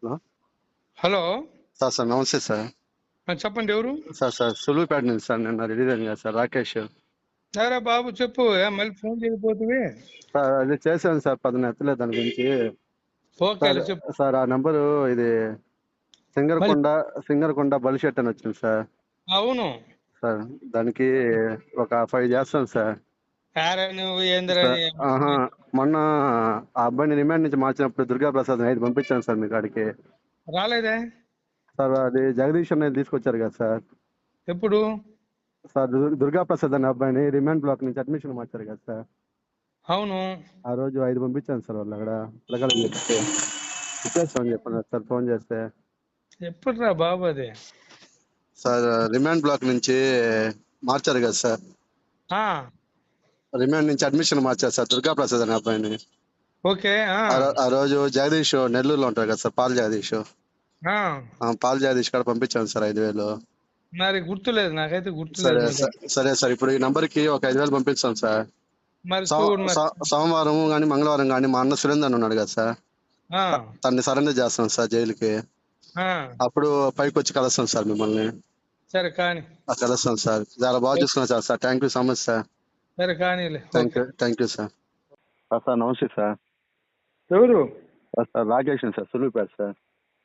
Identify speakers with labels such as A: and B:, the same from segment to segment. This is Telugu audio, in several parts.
A: Hello
B: hello.
A: సార్ నమస్తే సార్.
B: చెప్పండి ఎవరు?
A: సార్ సులువుపేట నుంచి సార్ నిన్న రిలీజ్ అయింది కదా సార్ రాకేష్.
B: సరే బాబు చెప్పు. మళ్ళీ ఫోన్ చేయకపోతే.
A: సార్ అది చేశాను సార్, పదన ఎత్తలేదు దాని గురించి. సార్
B: ఓకేలే చెప్పు.
A: సార్ ఆ నంబరు ఇది
B: మళ్ళీ
A: సింగరకొండ బలిషెట్ అని వచ్చింది సార్.
B: అవును.
A: సార్ దానికి ఒక 5 చేస్తాను సార్.
B: యారా నువ్వు ఏందిరా
A: సార్ మొన్న ఆ అబ్బాయిని రిమాండ్ నుంచి మార్చినప్పుడు దుర్గా ప్రసాద్ 5 పంపించాను సార్ మీ కాడికి.
B: రాలేదే?
A: సార్ అది జగదీష్ అనేది తీసుకొచ్చారు కదా సార్.
B: ఎప్పుడు?
A: సార్ దుర్గా ప్రసాద్ అనే అబ్బాయిని రిమాండ్ బ్లాక్ నుంచి అడ్మిషన్ మార్చారు కదా సార్.
B: అవును.
A: ఆ రోజు 5 పంపించాను సార్. వాళ్ళు అక్కడ పిల్లగాళ్ళకి చెప్తే ఇచ్చేస్తామని చెప్పన్నారు సార్ ఫోన్ చేస్తే.
B: ఎప్పుడురా బాబు అది?
A: సార్ రిమాండ్ బ్లాక్ నుంచి మార్చారు కదా సార్.
B: ఆ,
A: రిమాండ్ నుంచి అడ్మిషన్ మార్చారు సార్ దుర్గా ప్రసాద్ అనే అబ్బాయిని.
B: ఓకే.
A: ఆ రోజు జగదీష్ నెల్లూరులో ఉంటారు కదా sir, Paul Jagadish. Paul Jagadish కాడ పంపించాను సార్ 5,000.
B: మరి గుర్తులేదు, నాకైతే గుర్తులేదు.
A: సరే
B: మరి
A: సరే సార్, ఇప్పుడు ఈ నంబర్ కి ఒక 5,000 పంపిస్తాం సార్.
B: మరి చూడు మరి.
A: సోమవారం కానీ మంగళవారం కానీ మా అన్న సురేందర్ ఉన్నాడు కదా సార్,
B: ఆ,
A: తన్ని సరెండర్ చేస్తాం సార్ జైలుకి.
B: ఆ,
A: అప్పుడు పైకి వచ్చి కలుస్తాం సార్ మిమ్మల్ని.
B: సరే కానీ.
A: కలుస్తాం సార్. చాలా బాగా చూసుకున్నాం sir. Thank you so much sir.
B: సరే కానీలే.
A: Thank you sir. సార్ నమస్తే సార్.
B: ఎవరు?
A: Sir Rakesh sir, Suluvupeta sir.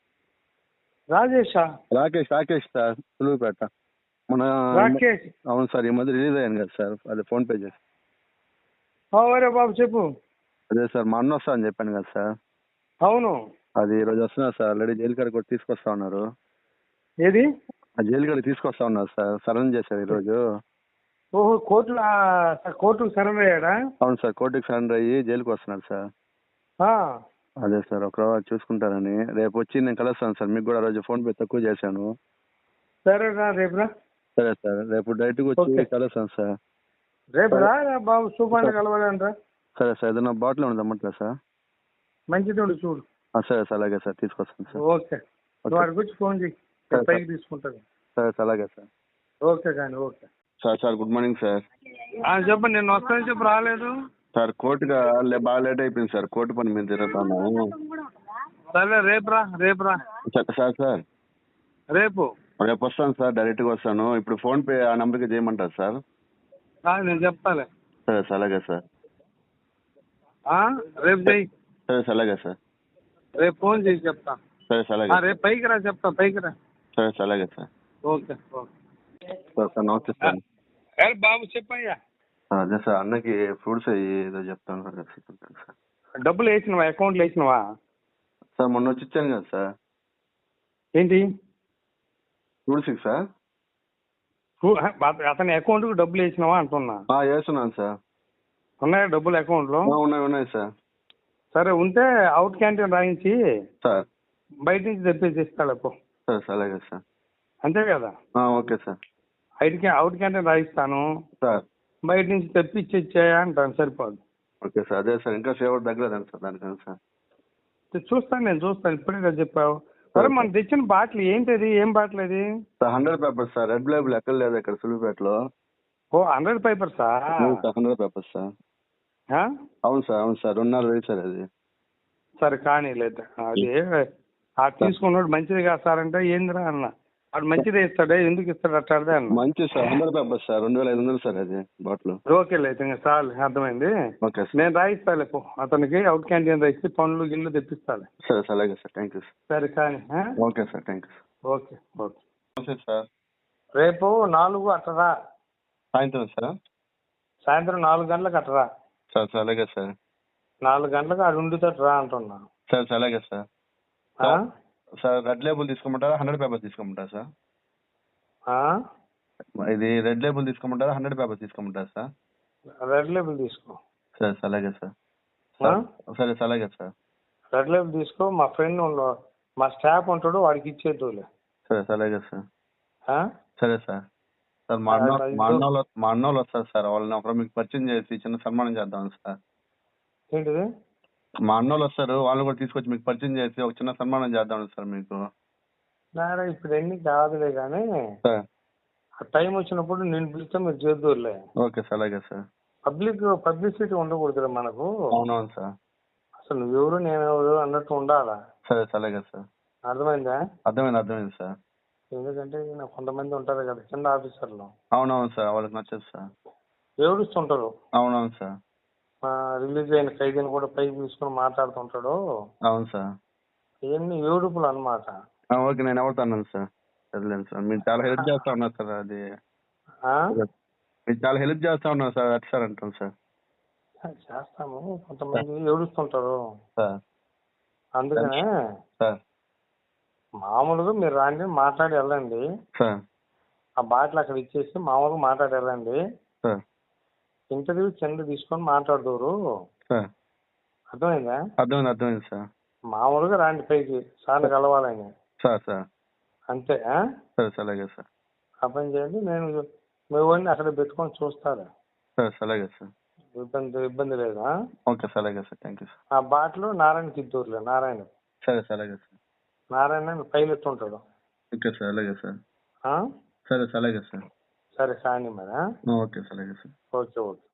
B: రాజేషా?
A: రాకేష్ సార్, సులువుపేట. మన
B: రాకేష్?
A: అవును సార్, ఈ మధ్య రిలీజ్ అయ్యాను కదా సార్, అదే ఫోన్ పే చేసి.
B: అవరే బాబు చెప్పు.
A: అదే సార్ మా అన్న వస్తా అని చెప్పాను కదా సార్.
B: అవును.
A: అది ఈ రోజు వస్తున్నారు సార్. ఆల్రెడీ జైలు కాడికి కూడా తీసుకొస్తా ఉన్నారు.
B: ఏది?
A: ఆ జైలు కాడికి తీసుకొస్తా ఉన్నారు సార్, సరెండర్ చేశారు ఈ రోజు.
B: ఓహో, కోర్టుకు సరెండర్ అయ్యాడా?
A: అవును సార్, కోర్టుకి సరెండర్ అయ్యి జైలుకి వస్తున్నారు సార్. అదే సార్, ఒక చూసుకుంటారని రేపు వచ్చి నేను కలుస్తాను సార్. మీకు కూడా రోజు ఫోన్ పే తక్కువ చేశాను.
B: సరేనా, రేపురా.
A: సరే సార్, రేపు డైరెక్ట్గా వచ్చి కలుస్తాను సార్.
B: రేపు రా బాబు, సూపాన్ని కలవాలంటరా.
A: సరే సార్, ఏదైనా బాటిల్ ఉండదు అమ్మట్లే సార్.
B: మంచిది ఉండి చూడు.
A: సరే సార్, అలాగే సార్, తీసుకొస్తాను సార్.
B: ఓకే, నువ్వు అక్కడికి వచ్చి ఫోన్ చేయి, పైకి తీసుకుంటాను.
A: సరే సార్, అలాగే సార్.
B: ఓకే కానీ okay
A: sir good morning sir.
B: చెప్పండి. నేను వస్తాను చెప్పు, రాలేదు
A: సార్. కోర్టుగా బాగా లేట్ అయిపోయింది సార్, కోర్టు పని మీద తిరుగుతాను.
B: సరే రేపురా.
A: సార్
B: రేపు
A: వస్తాను సార్, డైరెక్ట్గా వస్తాను. ఇప్పుడు ఫోన్ పే ఆ నంబర్కి చేయమంటారు సార్?
B: నేను చెప్తాలే.
A: సరే సార్, అలాగే సార్.
B: రేపు చెయ్యి.
A: సరే సార్, అలాగే సార్.
B: రేపు ఫోన్ చేసి చెప్తా.
A: సరే సార్, అలాగే.
B: రేపు పైకి రా, చెప్తా, పైకి రా.
A: సరే సార్, అలాగే సార్.
B: ఓకే
A: సార్ నమస్తే సార్.
B: బాబు చెప్పయ్యా.
A: అదే సార్, అన్నకి ఫ్రూట్స్ ఏదో చెప్తాను సార్.
B: డబ్బులు వేసినవా? అకౌంట్లో వేసినవా?
A: సార్ మొన్న వచ్చి ఇచ్చాను కదా సార్.
B: ఏంటి
A: ఫ్రూట్స్కి సార్?
B: అతని అకౌంట్కి డబ్బులు వేసినావా అంటున్నా.
A: వేస్తున్నాను సార్.
B: ఉన్నాయా డబ్బులు అకౌంట్లో?
A: ఉన్నాయి సార్.
B: సరే, ఉంటే అవుట్ క్యాంటీన్ రాయించి
A: సార్
B: బయట నుంచి తెప్పించి ఇస్తాడు.
A: సరే సార్, అలాగే సార్.
B: అంతే కదా?
A: Okay sir.
B: అవుట్ క్యాంటీన్ రాయిస్తాను
A: సార్,
B: బయట నుంచి తెప్పించి ఇచ్చాయా అంటాను, సరిపోదు.
A: Okay sir. అదే సార్, ఇంకా సేవ తగ్గలేదండి సార్ దానికని సార్.
B: నేను చూస్తాను, ఇప్పుడే కదా చెప్పావు. సరే, మనం తెచ్చిన బాటిల్ ఏంటిది? ఏం బాటిల్ అది?
A: Sir 100 papers sir. Red label ఎక్కడ లేదు ఇక్కడ సులువుపేటలో.
B: 100 పేపర్సా?
A: 100 పేపర్స్ సార్. అవును సార్, 2.5 సార్ అది.
B: సరే కానీ లేదు, అది తీసుకున్నాడు మంచిది కాదు సార్ అంటే ఏందిరా అన్న. వాడు మంచిదే ఇస్తాడే, ఎందుకు ఇస్తాడు అట్టాడే అన్న.
A: మంచిది సార్, 100 పేపర్స్ సార్, 2,500 సార్ అది బాటిల్.
B: ఓకే లేదు, ఇంకా చాలు, అర్థమైంది.
A: ఓకే సార్,
B: నేను రాయిస్తాలే అతనికి అవుట్ క్యాంటీన్ రాయిస్తే పండ్లు గిళ్ళు తెప్పిస్తాలే.
A: సరే సార్, అలాగే సార్. Thank you sir.
B: సరే కానీ.
A: Okay sir, thank you sir.
B: Okay
A: నమస్తే సార్.
B: రేపు 4 అట్టరా.
A: సాయంత్రం సార్?
B: సాయంత్రం 4 గంటలకు అట్టరా.
A: సార్ అలాగే సార్.
B: 4 గంటలకు అది ఉండుతట్టు రా అంటున్నా.
A: సార్ అలాగే సార్. సార్ రెడ్ లేబుల్ తీసుకోమంటారా 100 పేపర్స్ తీసుకోమంటారా సార్? ఇది రెడ్ లేబుల్ తీసుకోమంటారా 100 పేపర్స్ తీసుకోమంటారా సార్?
B: రెడ్ లేబుల్ తీసుకో.
A: సరే సార్, అలాగే సార్. సరే సార్, అలాగే సార్.
B: రెడ్ లేబుల్ తీసుకో. మా ఫ్రెండ్ మా స్టాఫ్ ఉంటాడు, వాడికి ఇచ్చేద్దులే.
A: సరే సార్, అలాగే సార్. సరే సార్. సార్ మా అన్నోళ్ళు వస్తారు సార్, వాళ్ళని ఒకరు మీకు పరిచయం చేసి చిన్న సన్మానం చేద్దాం సార్.
B: ఏంటిది?
A: మా అన్నోళ్ళు వస్తారు, వాళ్ళని కూడా తీసుకొచ్చి మీకు పరిచయం చేసి ఒక చిన్న సన్మానం చేద్దాం సార్ మీకు.
B: ఇప్పుడు ఎన్ని కాదులే కానీ
A: సార్,
B: టైం వచ్చినప్పుడు నేను పిలిస్తే మీరు చేద్దూరులే.
A: ఓకే సార్, అలాగే సార్.
B: పబ్లిసిటీ ఉండకూడదు మనకు.
A: అవునవును సార్.
B: అసలు నువ్వెవరు నేనెవరు అన్నట్టు ఉండాలా.
A: సరే సార్, అలాగే సార్.
B: అర్థమైందా?
A: అర్థమైంది సార్.
B: ఎందుకంటే కొంతమంది ఉంటారు కదా కింద ఆఫీసర్లు.
A: అవునవును సార్, వాళ్ళకి నచ్చదు సార్.
B: ఏడుస్తుంటారు.
A: అవునవును సార్.
B: రిలీజ్ అయిన ఖైదీని కూడా పైకి తీసుకుని మాట్లాడుతుంటాడు.
A: అవును సార్.
B: ఇవన్నీ ఏడుపులు అన్నమాట.
A: ఓకే, నేను ఎవరితో అన్నాను సార్, వదిలేను సార్. మీరు చాలా హెల్ప్ చేస్తా ఉన్నారు సార్. అది
B: ఆ?
A: మీరు చాలా హెల్ప్ చేస్తా ఉన్నారు సార్, అటు సార్ అంటాను సార్.
B: చేస్తాము, కొంతమంది ఏడుస్తుంటారు
A: సార్
B: అందుకనే
A: సార్
B: మామూలుగా మీరు రాండి, మాట్లాడి వెళ్ళండి.
A: సార్
B: ఆ బాటిల్ అక్కడ ఇచ్చేసి మామూలుగా మాట్లాడి వెళ్ళండి.
A: సార్
B: ఇంటర్వ్యూ కింద తీసుకొని మాట్లాడదురు.
A: సార్
B: అర్థమైందా?
A: అర్థమైంది సార్.
B: మామూలుగా రాండి పైకి సార్ని కలవాలని.
A: సార్
B: అంతే.
A: సరే సార్, అలాగే సార్.
B: ఆ పని చేయండి. నేను మీ వాడిని అక్కడ పెట్టుకొని చూస్తాను.
A: సార్ అలాగే సార్.
B: ఇబ్బంది లేదా?
A: ఓకే సార్, అలాగే సార్. Thank you sir.
B: ఆ బాటిల్ నారాయణకి ఇద్దరులే. నారాయణ
A: సరే సార్, అలాగే సార్.
B: నారాయణ పైలట్ ఉంటాడు.
A: ఓకే సార్, అలాగే సార్.
B: ఆ?
A: సరే సార్, అలాగే సార్.
B: సరే కానీ మరి.
A: ఓకే సార్, అలాగే సార్.
B: Okay okay.